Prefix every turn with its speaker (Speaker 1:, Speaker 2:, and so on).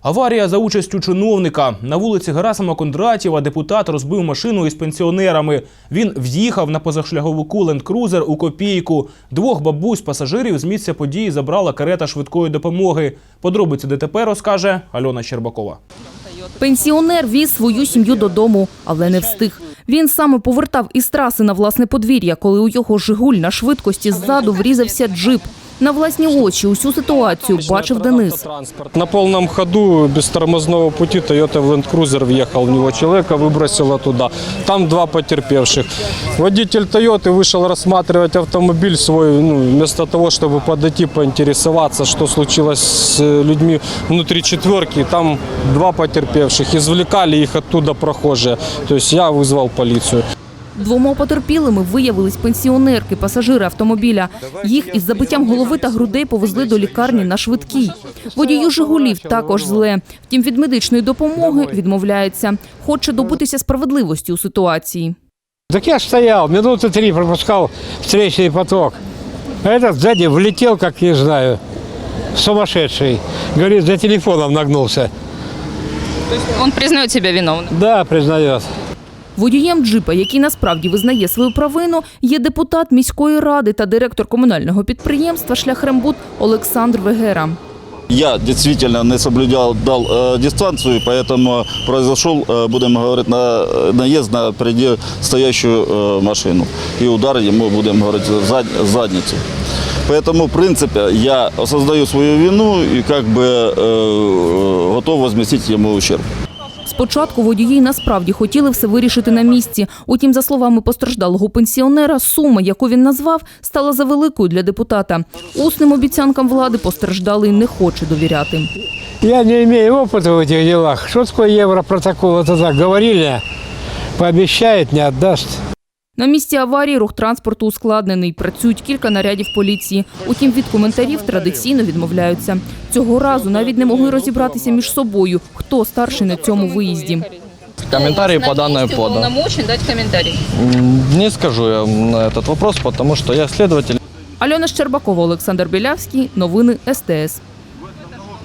Speaker 1: Аварія за участю чиновника. На вулиці Герасима Кондратєва депутат розбив машину із пенсіонерами. Він в'їхав на позашляховику ленд-крузер у копійку. Двох бабусь-пасажирів з місця події забрала карета швидкої допомоги. Подробиці ДТП розкаже Альона Щербакова.
Speaker 2: Пенсіонер віз свою сім'ю додому, але не встиг. Він саме повертав із траси на власне подвір'я, коли у його «Жигуль» на швидкості ззаду врізався джип. На власні очі усю ситуацію бачив Денис.
Speaker 3: На полном ходу, без тормозного пути, Toyota в Land Cruiser въехал в него, человека выбросило туда. Там два потерпевших. Водитель Toyota вышел рассматривать автомобиль свой, вместо того, чтобы подойти, поинтересоваться, что случилось с людьми внутри четверки. Там два потерпевших, извлекали их оттуда прохожие. То есть я вызвал полицию.
Speaker 2: Двома потерпілими виявились пенсіонерки, пасажири автомобіля. Їх із забиттям голови та грудей повезли до лікарні на швидкій. Водію «Жигулів» також зле. Втім, від медичної допомоги відмовляється. Хоче добитися справедливості у ситуації.
Speaker 4: Так я ж стоял, минуты 3 пропускал встречный поток. А этот сзади влетел, как не знаю, сумасшедший. Говорит, за телефоном нагнулся.
Speaker 5: То есть он признает себя виновным?
Speaker 4: Да, признает.
Speaker 2: Водієм джипа, який насправді визнає свою провину, є депутат міської ради та директор комунального підприємства «Шляхрембуд» Олександр Вегера.
Speaker 6: Я действительно не соблюдал дистанцию, поэтому произошел, будем говорить, наезд на впереди стоящую машину. И удар ему, будем говорить, в задницу. Поэтому, в принципе, я осознаю свою вину и как бы готов возместить ему ущерб.
Speaker 2: Спочатку водії насправді хотіли все вирішити на місці. Утім, за словами постраждалого пенсіонера, сума, яку він назвав, стала завеликою для депутата. Усним обіцянкам влади постраждалий не хоче довіряти.
Speaker 4: Я не имею опыта в этих делах. Что такое европротокол? Это так говорили, пообещает, не отдаст.
Speaker 2: На місці аварії рух транспорту ускладнений. Працюють кілька нарядів поліції. Утім, від коментарів традиційно відмовляються. Цього разу навіть не могли розібратися між собою, хто старший на цьому виїзді.
Speaker 7: Комментарии по данной подан.
Speaker 5: Уполномочен дать комментарий?
Speaker 7: Не скажу я на этот вопрос, потому что я следователь.
Speaker 2: Альона Щербакова, Олександр Білявський. Новини СТС.